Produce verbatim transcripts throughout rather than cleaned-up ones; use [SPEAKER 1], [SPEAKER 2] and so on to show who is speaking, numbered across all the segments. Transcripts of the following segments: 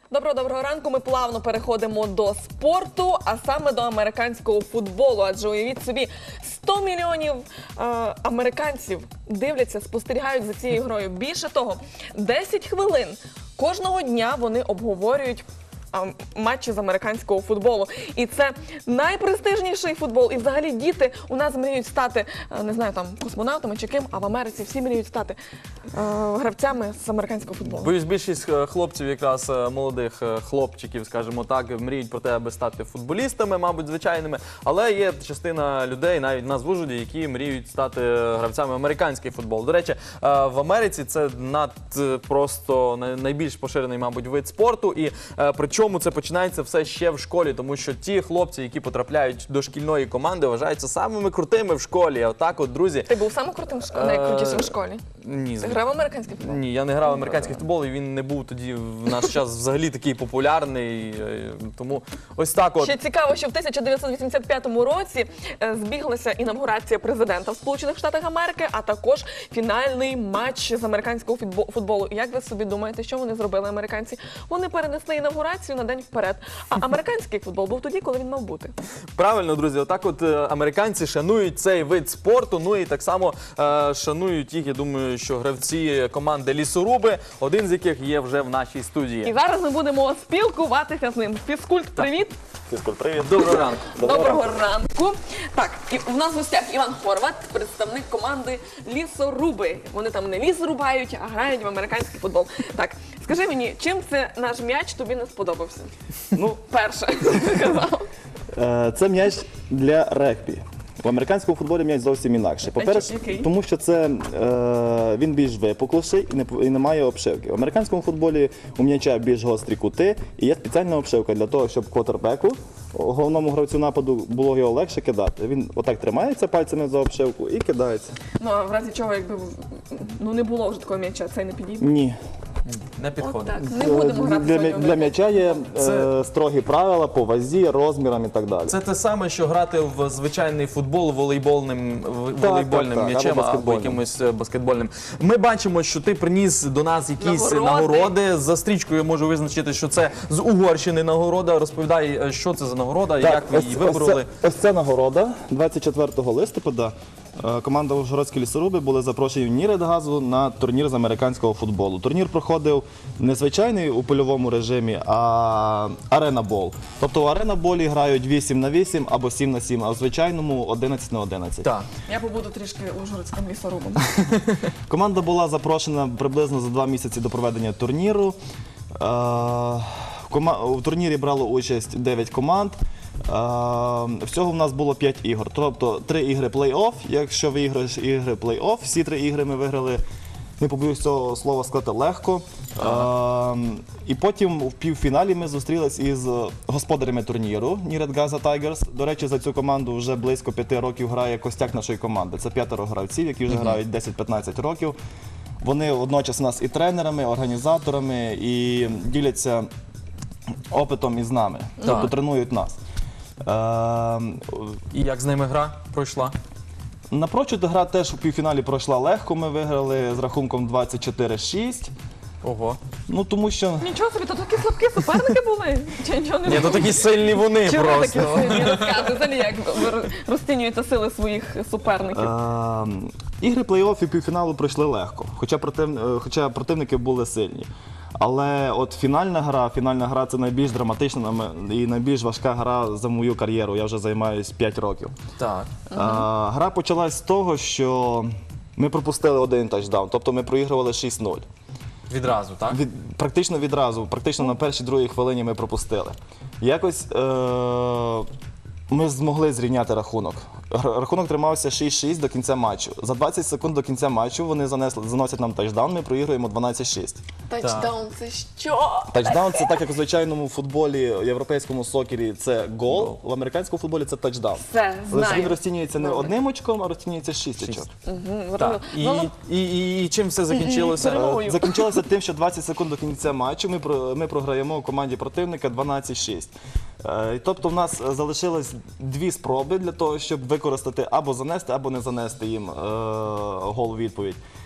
[SPEAKER 1] Доброго-доброго ранку. Ми плавно переходимо до спорту, а саме до американського футболу. Адже уявіть собі, сто мільйонів е, американців дивляться, спостерігають за цією грою. Більше того, десять хвилин кожного дня вони обговорюють матчі з американського футболу. І це найпрестижніший футбол. І взагалі діти у нас мріють стати, не знаю, там, космонавтами чи ким, а в Америці всі мріють стати е, гравцями з американського футболу.
[SPEAKER 2] Боюсь, більшість хлопців, якраз молодих хлопчиків, скажімо так, мріють про те, аби стати футболістами, мабуть, звичайними. Але є частина людей, навіть в нас в Ужгороді, які мріють стати гравцями американський футбол. До речі, в Америці це над просто найбільш поширений, мабуть, вид спорту. І причому Чому це починається все ще в школі, тому що ті хлопці, які потрапляють до шкільної команди, вважаються самими крутими в школі. А отак от, друзі...
[SPEAKER 1] Ти був самим крутим, найкрутішим в школі?
[SPEAKER 2] Ні.
[SPEAKER 1] Ти грав в американський футбол?
[SPEAKER 2] Ні, я не грав в американський футбол, і він не був тоді в наш час взагалі такий популярний. Тому ось так от.
[SPEAKER 1] Ще цікаво, що в тисяча дев'ятсот вісімдесят п'ятому році збіглася інавгурація президента в Сполучених Штатах Америки, а також фінальний матч з американського футболу. Як ви собі думаєте, що вони зробили американці? Вони перенесли інавгурацію на день вперед. А американський футбол був тоді, коли він мав бути.
[SPEAKER 2] Правильно, друзі. Отак от американці шанують цей вид спорту, ну і так само е, шанують їх, я думаю, що гравці команди «Лісоруби», один з яких є вже в нашій студії.
[SPEAKER 1] І зараз ми будемо спілкуватися з ним. Фізкульт, привіт!
[SPEAKER 3] Фізкульт, привіт!
[SPEAKER 2] Доброго ранку!
[SPEAKER 1] Доброго ранку! Так, і в нас в гостях Іван Хорват, представник команди «Лісоруби». Вони там не ліс рубають, а грають в американський футбол. Так, скажи мені, чим це наш м'яч тобі не сподобався?
[SPEAKER 3] Ну,
[SPEAKER 1] перше сказав.
[SPEAKER 3] Це м'яч для регбі. В американському футболі м'яч зовсім інакше. По-перше,
[SPEAKER 1] Який?
[SPEAKER 3] тому що це, е, він більш випукліший і не, і не має обшивки. В американському футболі у м'яча більш гострі кути і є спеціальна обшивка для того, щоб квотербеку, головному гравцю нападу, було його легше кидати. Він отак тримається пальцями за обшивку і кидається.
[SPEAKER 1] Ну, а в разі чого, якби ну, не було вже такого м'яча, цей не підійде?
[SPEAKER 3] Ні.
[SPEAKER 2] Не
[SPEAKER 1] От
[SPEAKER 2] підходить.
[SPEAKER 1] так, не будемо грати
[SPEAKER 3] Для,
[SPEAKER 1] сьогодні.
[SPEAKER 3] для м'яча є
[SPEAKER 2] Це-
[SPEAKER 3] е, строгі правила по вазі, розмірам і так далі.
[SPEAKER 2] Це те саме, що грати в звичайний футбол волейбольним, в-
[SPEAKER 3] Так,
[SPEAKER 2] волейбольним
[SPEAKER 3] так, так,
[SPEAKER 2] м'ячем
[SPEAKER 3] або
[SPEAKER 2] або
[SPEAKER 3] баскетбольним.
[SPEAKER 2] якимось е, баскетбольним. Ми бачимо, що ти приніс до нас якісь
[SPEAKER 1] Нагороди.
[SPEAKER 2] нагороди. За стрічкою я можу визначити, що це з Угорщини нагорода. Розповідай, е, що це за нагорода, як ви її вибороли.
[SPEAKER 3] Ось, це, ось ця нагорода. двадцять четвертого листопада е, команда Ужгородські лісоруби були запрошені в Ніридгазу на турнір з американського футболу. Турнір проходив не звичайний у польовому режимі, а арена-бол. Тобто в арена-болі грають вісім на вісім або сім на сім, а в звичайному одинадцять на одинадцять.
[SPEAKER 2] Так.
[SPEAKER 1] Я побуду трішки ужгородським лісорубом.
[SPEAKER 3] Команда була запрошена приблизно за два місяці до проведення турніру. Е, в кома- У турнірі брало участь дев'ять команд. Е, Всього в нас було п'ять ігор. Тобто три ігри плей-офф. Якщо виграєш ігри плей-офф, всі три ігри ми виграли, не побоюсь цього слова сказати, легко. Е, І потім в півфіналі ми зустрілись із господарями турніру Ніридгаза Тайгерс. До речі, за цю команду вже близько п'яти років грає костяк нашої команди. Це п'ятеро гравців, які вже грають десять-п'ятнадцять років. Вони водночас у нас і тренерами, і організаторами, і діляться опитом із нами, тобто тренують нас. Е,
[SPEAKER 2] І як з ними гра пройшла?
[SPEAKER 3] Напрочуд гра теж у півфіналі пройшла легко, ми виграли з рахунком двадцять чотири шість.
[SPEAKER 2] Ого.
[SPEAKER 3] Ну тому що
[SPEAKER 1] Нічого собі, то такі слабкі суперники були? Чи нічого не
[SPEAKER 2] Ні,
[SPEAKER 1] було?
[SPEAKER 2] то такі сильні вони
[SPEAKER 1] Чому такі
[SPEAKER 2] просто.
[SPEAKER 1] сильні? Розказуй, взагалі, як ви розцінюєте сили своїх суперників?
[SPEAKER 3] е, ігри плей-офф і півфіналу пройшли легко, хоча, против, е, хоча противники були сильні. Але от фінальна гра, фінальна гра це найбільш драматична нам- і найбільш важка гра за мою кар'єру. Я вже займаюся п'ять років.
[SPEAKER 2] Так.
[SPEAKER 3] А, гра почалась з того, що ми пропустили один тачдаун, тобто ми проігрували шість нуль.
[SPEAKER 2] Відразу, так?
[SPEAKER 3] Від, практично відразу, практично на першій-другій хвилині ми пропустили. Якось е, ми змогли зрівняти рахунок. Р- Рахунок тримався шість шість до кінця матчу. За двадцять секунд до кінця матчу вони занесли, заносять нам тачдаун, ми проігруємо дванадцять шість.
[SPEAKER 1] Тачдаун – це що?
[SPEAKER 3] Тачдаун – це так, як у звичайному футболі, європейському сокері це гол, в американському футболі це тачдаун.
[SPEAKER 1] Все,
[SPEAKER 3] Але ж він
[SPEAKER 1] знаю.
[SPEAKER 3] розцінюється не
[SPEAKER 1] Добре.
[SPEAKER 3] одним очком, а розцінюється шість очок.
[SPEAKER 2] Так. І,
[SPEAKER 1] Ну, ну,
[SPEAKER 2] і, і, і чим все закінчилося?
[SPEAKER 1] Перемогою.
[SPEAKER 3] Закінчилося тим, що двадцять секунд до кінця матчу ми, про- ми програємо у команді противника дванадцять шість. Е, Тобто в нас залишилось дві спроби для того, щоб використати або занести, або не занести їм е, гол у відповідь.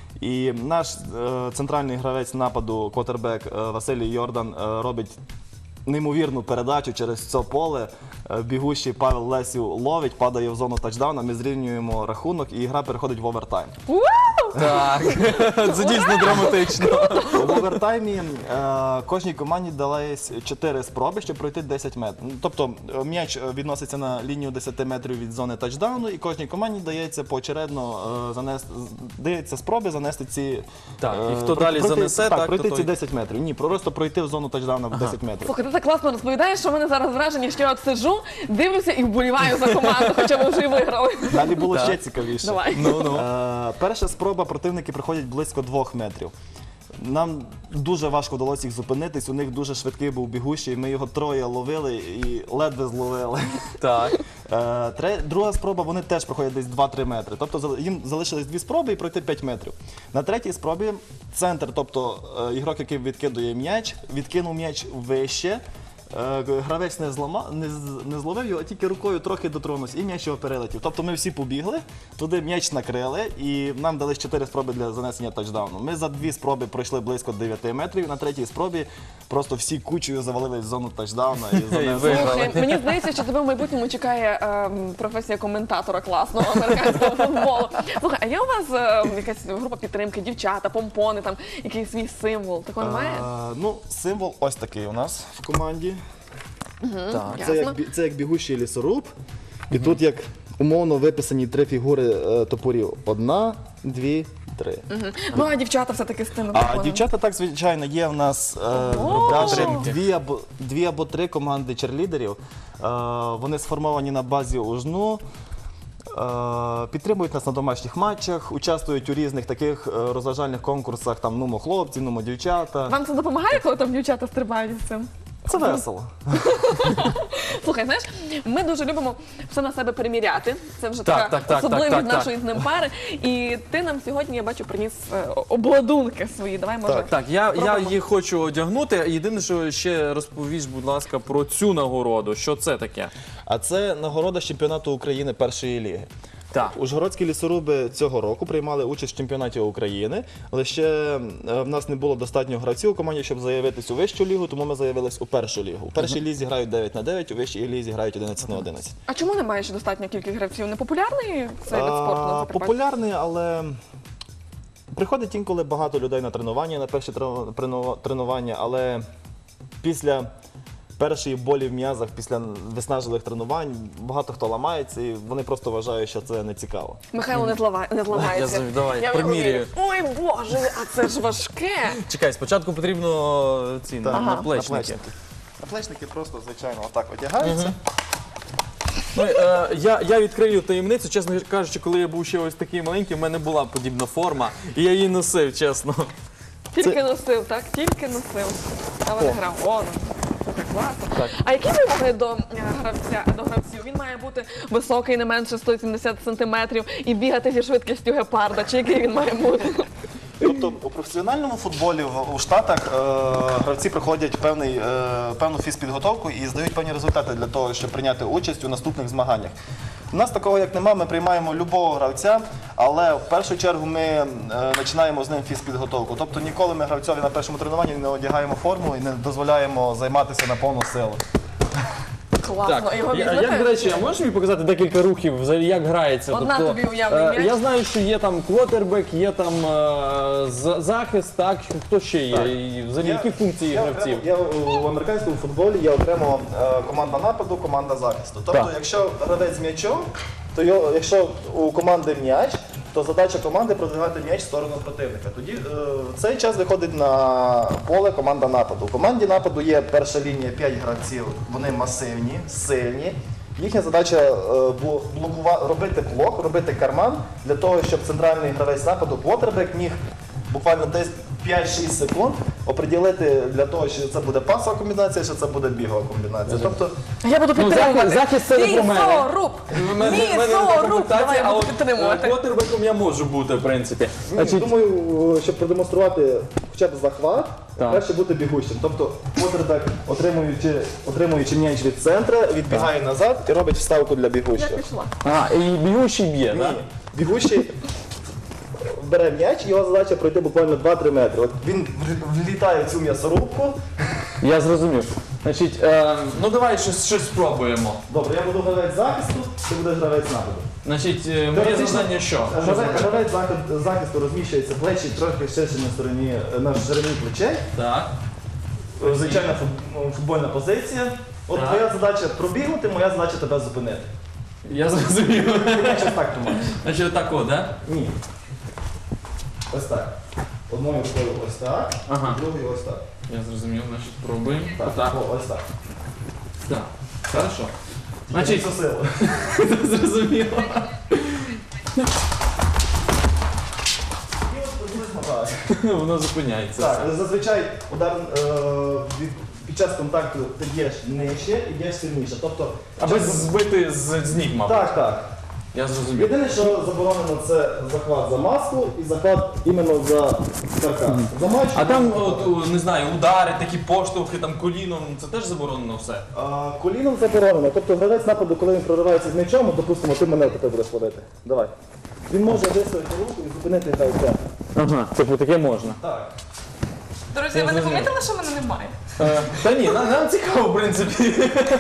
[SPEAKER 3] І наш е, центральний гравець нападу, квотербек е, Василій Йордан, е, робить неймовірну передачу через це поле. Е, Бігущий Павел Лесів ловить, падає в зону тачдауна, ми зрівнюємо рахунок і гра переходить в овертайм.
[SPEAKER 2] Так, це дійсно драматично.
[SPEAKER 3] В овертаймі е, кожній команді дались чотири спроби, щоб пройти десять метрів. Ну, тобто е, м'яч відноситься на лінію десять метрів від зони тачдауну, і кожній команді дається поочередно е, занести, дається спроби занести ці...
[SPEAKER 2] Так, і
[SPEAKER 3] е,
[SPEAKER 2] хто далі
[SPEAKER 3] пройти-
[SPEAKER 2] занесе,
[SPEAKER 3] так,
[SPEAKER 2] так,
[SPEAKER 3] пройти
[SPEAKER 2] то
[SPEAKER 3] ці
[SPEAKER 2] той-
[SPEAKER 3] десять метрів. Ні, просто пройти в зону тачдауна в десять метрів.
[SPEAKER 1] Слухай, ти так класно розповідаєш, що в мене зараз враження, що я от сиджу, дивлюся і вболіваю за команду, хоча ми вже й виграли.
[SPEAKER 3] Далі було
[SPEAKER 2] Так.
[SPEAKER 3] ще цікавіше.
[SPEAKER 1] Давай.
[SPEAKER 2] Ну, ну.
[SPEAKER 3] Е, перша спроба, противники приходять близько двох метрів. Нам дуже важко вдалося їх зупинитись, у них дуже швидкий був бігущий, ми його троє ловили і ледве зловили.
[SPEAKER 2] Так.
[SPEAKER 3] Е, тре- Друга спроба, вони теж проходять десь два-три метри. Тобто зал- їм залишились дві спроби і пройти п'ять метрів. На третій спробі центр, тобто е, ігрок, який відкидує м'яч, відкинув м'яч вище. Е, Гравець не, злама, не, з- не зловив його, а тільки рукою трохи дотронувся і м'яч його перелетів. Тобто ми всі побігли, туди м'яч накрили і нам дали чотири спроби для занесення тачдауну. Ми за дві спроби пройшли близько дев'яти метрів, на третій спробі просто всі кучею завалились в зону тачдауна і занесли.
[SPEAKER 2] виграли.
[SPEAKER 1] Слухай, мені здається, що тебе в майбутньому чекає ем, професія коментатора класного американського футболу. Слухай, а є у вас ем, якась група підтримки, дівчата, помпони, там якийсь свій символ? Такого немає?
[SPEAKER 3] Е, Ну, символ ось такий у нас в команді.
[SPEAKER 2] Так.
[SPEAKER 3] Це
[SPEAKER 1] Ясно.
[SPEAKER 3] як, бі- це як бігущий лісоруб. І тут як умовно виписані три фігури е, топорів. Одна, дві, три.
[SPEAKER 1] Ну, а дівчата все-таки з тим
[SPEAKER 3] А
[SPEAKER 1] помпоном.
[SPEAKER 3] дівчата, так, звичайно, є в нас е,
[SPEAKER 1] Ого!
[SPEAKER 3] даже дві або, дві або три команди черлідерів. Е, вони сформовані на базі УЖНУ. Е, Підтримують нас на домашніх матчах, участвують у різних таких е, розважальних конкурсах, там нумо хлопці, нумо дівчата.
[SPEAKER 1] Вам це допомагає, коли там дівчата стрибають з цим?
[SPEAKER 3] Це весело.
[SPEAKER 1] Слухай, знаєш, ми дуже любимо все на себе приміряти. Це вже
[SPEAKER 2] Так,
[SPEAKER 1] така
[SPEAKER 2] так, так,
[SPEAKER 1] особливість
[SPEAKER 2] так, так, так.
[SPEAKER 1] нашої з ним пари. І ти нам сьогодні, я бачу, приніс е, обладунки свої. Давай, може.
[SPEAKER 3] Так.
[SPEAKER 2] Так, я, я
[SPEAKER 1] Пробуємо.
[SPEAKER 2] їх хочу одягнути. Єдине, що ще розповіш, будь ласка, про цю нагороду. Що це таке?
[SPEAKER 3] А це нагорода з чемпіонату України першої ліги.
[SPEAKER 2] Так.
[SPEAKER 3] Ужгородські лісоруби цього року приймали участь в чемпіонаті України. Лише е, в нас не було достатньо гравців у команді, щоб заявитись у вищу лігу, тому ми заявились у першу лігу. У першій лізі грають дев'ять на дев'ять, у вищій лізі грають одинадцять на одинадцять.
[SPEAKER 1] А чому немає ще достатньо кількість гравців? Не популярний цей вид спорту на
[SPEAKER 3] А,
[SPEAKER 1] Закарпатті?
[SPEAKER 3] Популярний, але приходить інколи багато людей на тренування, на перші трено- трено- тренування, але після першої болі в м'язах, після виснажливих тренувань, багато хто ламається і вони просто вважають, що це не цікаво.
[SPEAKER 1] Михайло не, злава... не зламається.
[SPEAKER 2] Я знаю, давай,
[SPEAKER 1] Я
[SPEAKER 2] примірюю.
[SPEAKER 1] Ой, Боже, а це ж важке.
[SPEAKER 2] Чекай, спочатку потрібно ці
[SPEAKER 3] Так,
[SPEAKER 2] наплечники.
[SPEAKER 3] наплечники. Наплечники просто, звичайно, отак одягаються.
[SPEAKER 2] Ну, е, я, я відкрию таємницю, чесно кажучи, коли я був ще ось такий маленький, в мене була подібна форма, і я її носив, чесно.
[SPEAKER 1] Тільки носив, так? Тільки носив. Але не
[SPEAKER 3] О.
[SPEAKER 1] грав. О, ну, слухай, класно.
[SPEAKER 2] Так.
[SPEAKER 1] А які вимоги до е, гравця, до гравців? Він має бути високий, не менше сто сімдесят сантиметрів і бігати зі швидкістю гепарда. Чи який він має бути?
[SPEAKER 3] Тобто у професіональному футболі в- у Штатах е, гравці проходять певний, е, певну фізпідготовку і здають певні результати для того, щоб прийняти участь у наступних змаганнях. У нас такого як нема, ми приймаємо любого гравця, але в першу чергу ми е, починаємо з ним фізпідготовку. Тобто ніколи ми гравцьові на першому тренуванні не одягаємо форму і не дозволяємо займатися на повну силу.
[SPEAKER 1] Класно. Його
[SPEAKER 2] я,
[SPEAKER 1] візьмете?
[SPEAKER 2] як, до речі, а можеш мені показати декілька рухів, взагалі, як грається?
[SPEAKER 1] Одна тобі уявний
[SPEAKER 2] е,
[SPEAKER 1] м'яч.
[SPEAKER 2] я знаю, що є там квотербек, є там е, за- захист, так? Хто ще є?
[SPEAKER 3] Так.
[SPEAKER 2] І взагалі, які функції
[SPEAKER 3] я
[SPEAKER 2] гравців?
[SPEAKER 3] окремо- я в американському футболі є окремо е, команда нападу, команда захисту. Тобто,
[SPEAKER 2] Так.
[SPEAKER 3] якщо гравець з м'ячом, то його, якщо у команди м'яч, то задача команди продвигати м'яч в сторону противника. Тоді е, в цей час виходить на поле команда нападу. У команді нападу є перша лінія п'ять гравців, вони масивні, сильні. Їхня задача е, бу- блокува- робити блок, робити карман для того, щоб центральний гравець нападу, квотербек, міг буквально десь п'ять-шість секунд оприділити для того, що це буде пасова комбінація, що це буде бігова комбінація. Тобто
[SPEAKER 1] Я буду
[SPEAKER 2] Ну,
[SPEAKER 1] підтримувати.
[SPEAKER 2] захист, захист це не про мене.
[SPEAKER 1] Лісоруб!
[SPEAKER 2] У мене- в мене
[SPEAKER 1] Лісоруб!
[SPEAKER 2] комплектація,
[SPEAKER 1] Давай, я
[SPEAKER 2] а
[SPEAKER 1] буду
[SPEAKER 2] от
[SPEAKER 1] підтримувати.
[SPEAKER 2] квотербеком я можу бути, в принципі.
[SPEAKER 3] Ні, думаю, щоб продемонструвати хоча б захват,
[SPEAKER 2] Так.
[SPEAKER 3] краще бути бігущим. Тобто квотербек, отримуючи, отримуючи м'яч від центра, відбігає назад і робить вставку для
[SPEAKER 1] Я
[SPEAKER 3] бігущого.
[SPEAKER 1] пішла.
[SPEAKER 2] А, і бігущий б'є,
[SPEAKER 3] Ні,
[SPEAKER 2] так?
[SPEAKER 3] бігущий бере м'яч, його задача пройти буквально два-три метри. От він в- влітає в цю м'ясорубку.
[SPEAKER 2] Я зрозумів. Значить, е, ну давай щось, щось спробуємо.
[SPEAKER 3] Добре, я буду гравець захисту, ти будеш гравець нападу.
[SPEAKER 2] Значить, е, моє
[SPEAKER 3] Теоретично,
[SPEAKER 2] завдання що? Що
[SPEAKER 3] Гравець,
[SPEAKER 2] зробити?
[SPEAKER 3] гравець захист- захисту розміщується плечі трохи ширше на стороні, на ширині плечей.
[SPEAKER 2] Так.
[SPEAKER 3] Звичайна фут- футбольна позиція. От
[SPEAKER 2] Так.
[SPEAKER 3] твоя задача пробігнути, моя задача тебе зупинити.
[SPEAKER 2] Я зрозумів.
[SPEAKER 3] Ти м'яч ось так тримаєш.
[SPEAKER 2] Значить, отако, да?
[SPEAKER 3] Ні. Ось так. Одною рукою ось так,
[SPEAKER 2] Ага.
[SPEAKER 3] другою ось так.
[SPEAKER 2] Я зрозумів, значить, пробуємо.
[SPEAKER 3] Так,
[SPEAKER 2] Так.
[SPEAKER 3] О, ось так.
[SPEAKER 2] Так. Хорошо. Значить,
[SPEAKER 3] Це сила.
[SPEAKER 2] зрозуміло.
[SPEAKER 3] І от приблизно так.
[SPEAKER 2] Воно зупиняється.
[SPEAKER 3] Так, зазвичай удар е, від- під час контакту ти б'єш нижче і б'єш сильніше. Тобто,
[SPEAKER 2] Аби
[SPEAKER 3] час-
[SPEAKER 2] збити з, з ніг, мабуть.
[SPEAKER 3] Так, так.
[SPEAKER 2] Я зрозумів.
[SPEAKER 3] Єдине, що заборонено, це захват за маску і захват іменно за каркас. За матч.
[SPEAKER 2] А там, от, о, не знаю, удари, такі поштовхи, там коліном, це теж заборонено все.
[SPEAKER 3] А, коліном заборонено. Тобто гравець нападу, коли він проривається з м'ячом, допустимо, ти мене таке будеш водити. Давай. Він може виставити руку і зупинити гравця.
[SPEAKER 2] Ага, типу таке можна.
[SPEAKER 3] Так.
[SPEAKER 1] Друзі, ви не помітили, що мене немає?
[SPEAKER 2] Е, та ні, нам, нам цікаво, в принципі.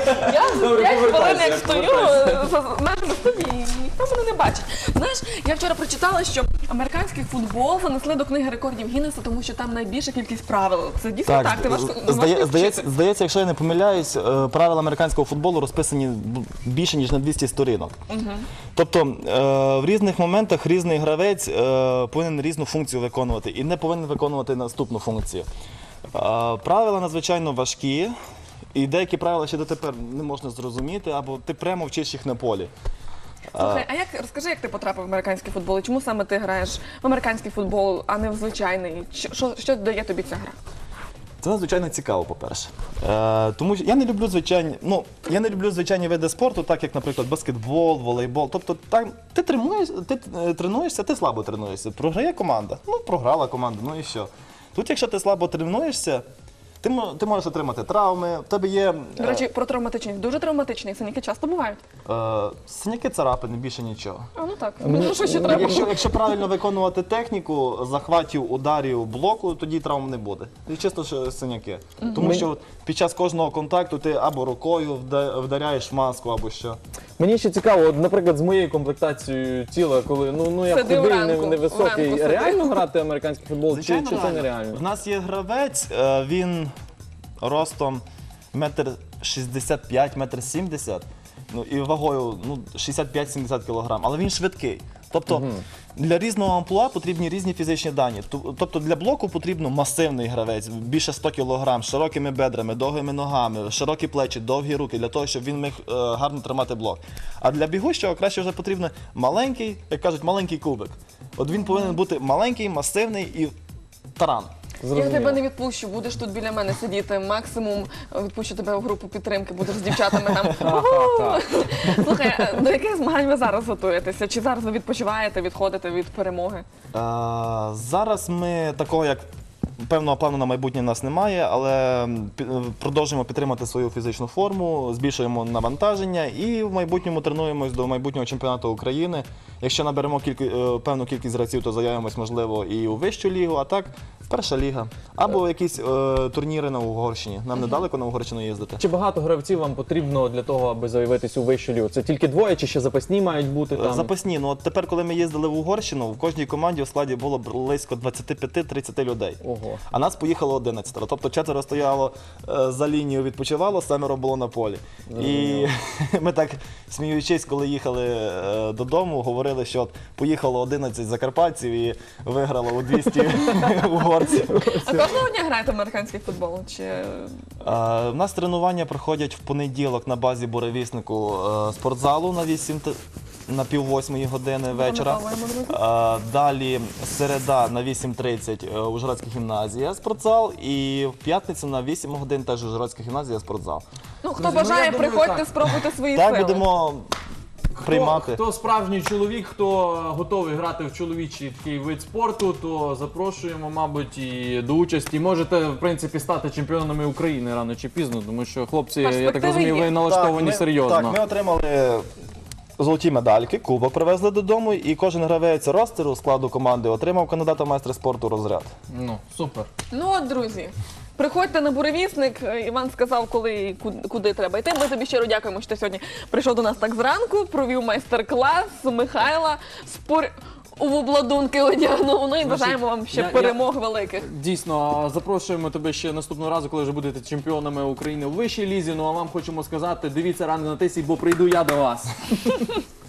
[SPEAKER 1] Я
[SPEAKER 2] Добре,
[SPEAKER 1] п'ять хвилин
[SPEAKER 2] повертайся,
[SPEAKER 1] як стою
[SPEAKER 2] повертайся.
[SPEAKER 1] за межами студії, і ніхто мене не бачить. Знаєш, я вчора прочитала, що американський футбол занесли до книги рекордів Гіннеса, тому що там найбільша кількість правил. Це дійсно так? Ти важко,
[SPEAKER 3] здає-
[SPEAKER 1] важко
[SPEAKER 3] здається,
[SPEAKER 1] вчити?
[SPEAKER 3] здається, якщо я не помиляюсь, е, правила американського футболу розписані б- більше, ніж на двісті сторінок. Тобто е, в різних моментах різний гравець е, повинен різну функцію виконувати і не повинен виконувати наступну функцію. Е, Правила надзвичайно важкі, і деякі правила ще дотепер не можна зрозуміти, або ти прямо вчиш їх на полі.
[SPEAKER 1] Слухай, а як розкажи, як ти потрапив в американський футбол? І чому саме ти граєш в американський футбол, а не в звичайний? Що, що, що дає тобі ця гра?
[SPEAKER 3] Це надзвичайно цікаво, по-перше. Е, тому що я не люблю звичайні, ну я не люблю звичайні види спорту, так як, наприклад, баскетбол, волейбол. Тобто, там ти тренуєш, ти е, тренуєшся, ти слабо тренуєшся. Програє команда. Ну, програла команда, ну і що. Тут, якщо ти слабо тренуєшся, ти, мо- ти можеш отримати травми, в тебе є.
[SPEAKER 1] До речі, про травматичні. Дуже травматичні. Синяки часто бувають.
[SPEAKER 3] Е, синяки, царапини, більше нічого.
[SPEAKER 1] А ну так. Ну, що ще треба?
[SPEAKER 3] Якщо, якщо правильно виконувати техніку захватів, ударів, блоку, тоді травм не буде. І чисто що синяки. Тому що під час кожного контакту ти або рукою вда- вдаряєш в маску, або що.
[SPEAKER 2] Мені ще цікаво, от, наприклад, з моєю комплектацією тіла, коли ну, ну я
[SPEAKER 1] Сиди
[SPEAKER 2] худий,
[SPEAKER 1] вранку,
[SPEAKER 2] не- невисокий,
[SPEAKER 1] вранку сиди.
[SPEAKER 2] реально грати американський футбол, чи, чи це
[SPEAKER 3] реально.
[SPEAKER 2] нереально?
[SPEAKER 3] В нас є гравець, е, він ростом метр шістдесят п'ять, метр сімдесят, ну і вагою ну, шістдесят п'ять - сімдесят кілограм, але він швидкий. Тобто для різного амплуа потрібні різні фізичні дані. Ту- Тобто для блоку потрібно масивний гравець, більше сто кілограм, з широкими бедрами, довгими ногами, широкі плечі, довгі руки, для того, щоб він міг е, гарно тримати блок. А для бігущого краще вже потрібно маленький, як кажуть, маленький кубик. От він повинен бути маленький, масивний і таран.
[SPEAKER 1] Я тебе не відпущу, будеш тут біля мене сидіти. Максимум відпущу тебе в групу підтримки, будеш з дівчатами там. «Уху!» Слухай, а до яких змагань ви зараз готуєтеся? Чи зараз ви відпочиваєте, відходите від перемоги?
[SPEAKER 3] Е, Зараз ми такого як певного плану на майбутнє в нас немає, але пі- продовжуємо підтримати свою фізичну форму, збільшуємо навантаження і в майбутньому тренуємось до майбутнього чемпіонату України. Якщо наберемо кілька, е, певну кількість гравців, то заявимось, можливо, і у вищу лігу, а так перша ліга. Або якісь е, турніри на Угорщині. Нам недалеко на Угорщину їздити.
[SPEAKER 2] Чи багато гравців вам потрібно для того, аби заявитись у вищу лігу? Це тільки двоє, чи ще запасні мають бути там?
[SPEAKER 3] Запасні. Ну от тепер, коли ми їздили в Угорщину, в кожній команді у складі було близько двадцять п'ять - тридцять людей.
[SPEAKER 2] Ого.
[SPEAKER 3] А нас поїхало одинадцять. Тобто четверо стояло е, за лінією, відпочивало, семеро було на полі. І ми так, сміючись, коли їхали е, додому, говорили, що от поїхало одинадцять закарпатців і виграло у двісті угорців.
[SPEAKER 1] А кожного дня граєте в американський футбол? Чи
[SPEAKER 3] Е, У нас тренування проходять в понеділок на базі буревіснику е, спортзалу на вісім т- на пів восьмої години вечора.
[SPEAKER 1] Запам'ятовуємо, друзі.
[SPEAKER 3] Е, Далі середа на вісім тридцять е, Ужгородська гімназія спортзал, і в п'ятницю на вісім годин теж Ужгородська гімназія спортзал.
[SPEAKER 1] ну хто
[SPEAKER 2] Друзі, ну,
[SPEAKER 1] бажає,
[SPEAKER 2] я думаю,
[SPEAKER 1] приходьте,
[SPEAKER 2] так.
[SPEAKER 1] спробуйте свої
[SPEAKER 3] Так
[SPEAKER 1] сили.
[SPEAKER 3] будемо приймати.
[SPEAKER 2] Хто, хто справжній чоловік, хто готовий грати в чоловічий такий вид спорту, то запрошуємо, мабуть, і до участі. Можете, в принципі, стати чемпіонами України рано чи пізно, тому що хлопці, я так
[SPEAKER 1] Перспективи
[SPEAKER 2] розумію,
[SPEAKER 1] є.
[SPEAKER 2] ви налаштовані
[SPEAKER 3] ми,
[SPEAKER 2] серйозно.
[SPEAKER 3] Так, ми отримали золоті медальки, кубок привезли додому, і кожен гравець ростеру складу команди отримав кандидата в майстри спорту розряд.
[SPEAKER 4] Ну, супер.
[SPEAKER 1] Ну от, друзі, приходьте на буревісник. Іван сказав, коли і куди, куди треба йти. Ми тобі щиро дякуємо, що ти сьогодні прийшов до нас так зранку, провів майстер-клас Михайла, спор... у обладунки одягнув. Ну і бажаємо вам ще
[SPEAKER 4] я- я-
[SPEAKER 1] перемог великих.
[SPEAKER 4] Дійсно, запрошуємо тебе ще наступного разу, коли вже будете чемпіонами України у вищій лізі. Ну а вам хочемо сказати, дивіться ранок на тисі, бо прийду я до вас.